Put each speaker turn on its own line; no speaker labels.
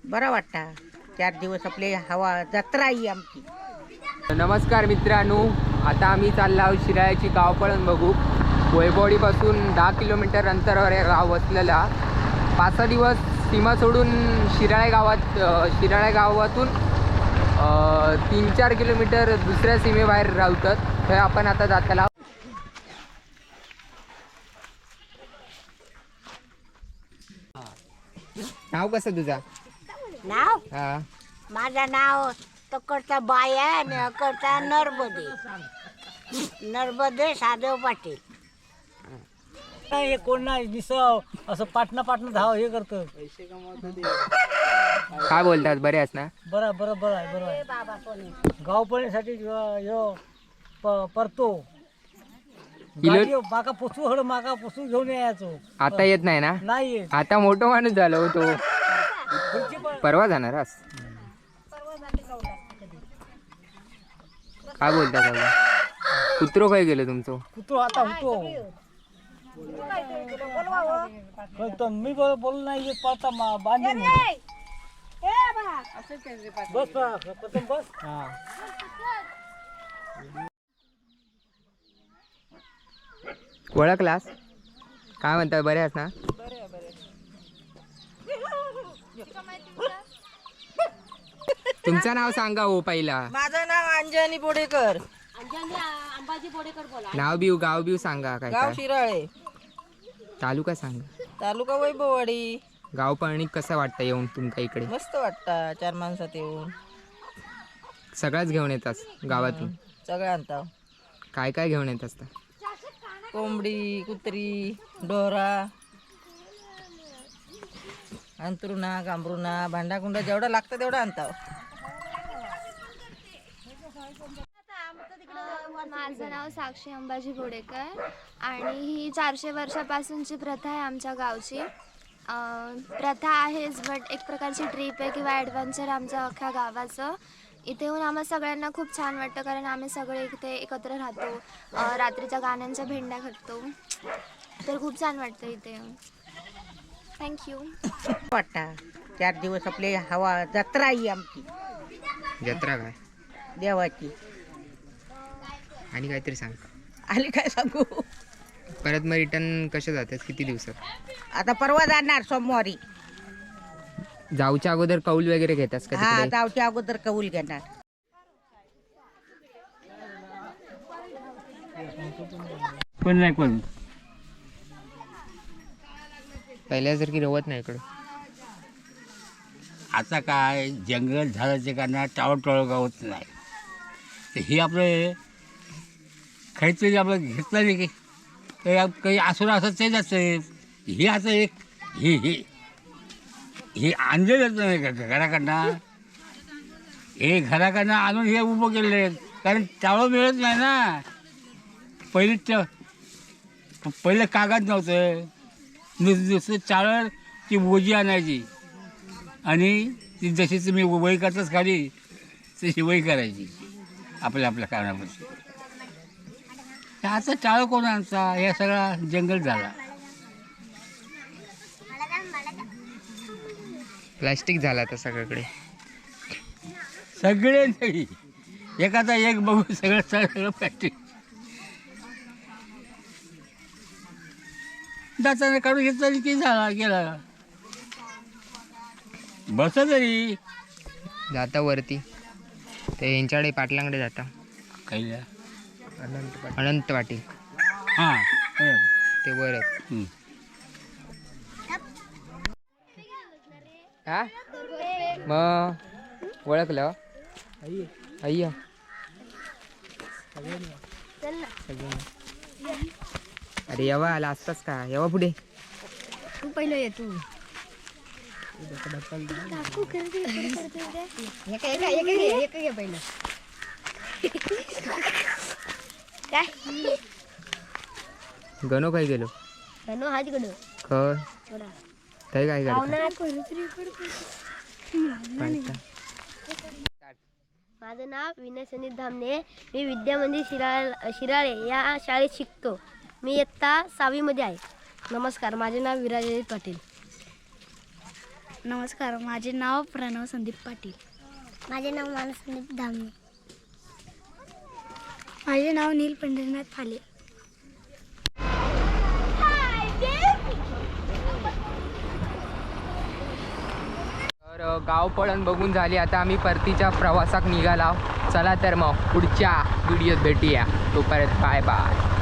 बरं वाटतं. 4 दिवस आपले हवा जत्रा ही आमची.
नमस्कार मित्रांनो, आता आम्ही चाललो आहोत शिराळ्याची गावपळण बघू. वैभवडीपासून 10 किलोमीटर अंतरावर हे गाव वसलेला. 5-6 दिवस सीमा सोडून शिराळ्या गावातून 3-4 किलोमीटर दुसऱ्या सीमेबाहेर राहतात. हे आपण आता जाताला. नाव कसं तुझा?
नाव
हा,
माझं नाव तकडचा बाय आहे आणि अकडचा नर्मदे साधव पाटील.
हे कोण नाही दिसव असं पाटणा धाव हे करतं.
काय बोलतात? बरे आहेस ना?
बरं आहे. गावपळणीसाठी परतो माका पोचू घेऊन यायचो.
आता येत नाही ना?
नाही येत.
आता मोठा माणूस झालो तो. परवा जाणार आस? काय बोलता सगळं? कुत्रो काय गेलं तुमचं?
कुत्रो आता होतो. मी बोल नाही पळता बांधून बस प्रथम बस. हा
ओळखलास? काय म्हणतात? बरे आहेस ना? तुमचं नाव सांगा हो पहिला.
माझं नाव अंजनी बोडेकर.
नाव बिव गाव बिव सांगा. काय
गाव
काय
शिराळे,
तालुका सांगा.
तालुका वैभववाडी.
गाव पळणी कसं वाटतं येऊन तुमच्या इकडे?
मस्त वाटतं 4 माणसात येऊन.
सगळ्याच घेऊन येतास गावातून?
सगळं आणता.
काय काय घेऊन येत असता?
कोंबडी, कुत्री, डोरा, अंतरुणा, गांभरुणा, भांडाकुंडा जेवढा लागतं तेवढं आणता.
माझं नाव साक्षी अंबाजी बोडेकर आणि ही 400 वर्षापासूनची प्रथा आहे आमच्या गावची. प्रथा आहेच, बट एक प्रकारची ट्रीप आहे किंवा ॲडव्हेंचर आमचं अख्ख्या गावाचं. इथे येऊन आम्हाला सगळ्यांना खूप छान वाटतं, कारण आम्ही सगळे इथे एकत्र राहतो. रात्रीच्या गाण्यांच्या भेंड्या घडतो, तर खूप छान वाटतं इथे येऊन. थँक्यू.
वाटतं 4 दिवस आपले हवा जत्रा ही आमची.
जत्रा काय?
देवाची.
आणि काहीतरी सांग.
आली काय सांगू?
परत मग रिटर्न कसे जातात? किती दिवसात?
आता परवा जाणार सोमवारी.
जाऊच्या अगोदर कौल वगैरे घेतास का
हा,
तिकडे?
जावच्या अगोदर कौल घेणार.
कोण नाही कोण.
पहिल्यासारखी रवत नाही इकडं.
आता काय जंगल झाडाचे कारण टाळोटाळ गावत नाही. तर हे आपलं काहीतरी आपलं घेतलं नाही की काही असं असं ते जातं. हे आता एक हे हे हे आणलेलंच नाही का घराकडनं. हे घराकडनं आणून हे उभं केलेलं आहे, कारण टाळं मिळत नाही ना. पहिलं कागद नव्हतं, नुसतं चाळं ती बोजी आणायची आणि ती जशी तुम्ही वही करताच खाली तशी वही करायची आपल्या कारणापासून. आता टाळं कोण आणता? हे सगळा जंगल झाला.
प्लास्टिक झाला आता सगळीकडे.
सगळे नाही, एखादा एक बघून सगळं प्लास्टिक. दाताने काढून घेतला की झाला गेला. बस तरी
जाता वरती ते यांच्याकडे पाटलांकडे जाता.
काही
अनंत पाटील
हां
ते वर आहेत. हा मग ओळखलं अय्या. अरे येवा आला असतास का? येवा पुढे.
तू पहिलं ये. तू काय
गणो काय गेलो? खय काय काय
माझं नाव विनय सनीत धामणे. मी विद्या मंदिर शिराळे या शाळेत शिकतो. मी इयत्ता 6वी मध्ये आहे. नमस्कार, माझे नाव विराज पाटील.
नमस्कार, माझे नाव प्रणव संदीप पाटील.
माझे नाव मानस संदीप धामणे.
माझे नाव नील पंढरीनाथ फाले.
तर गावपळण बघून झाली. आता आम्ही परतीच्या प्रवासाक निघाला. चला तर मग पुढच्या व्हिडिओत भेटूया. तोपर्यंत बाय बाय.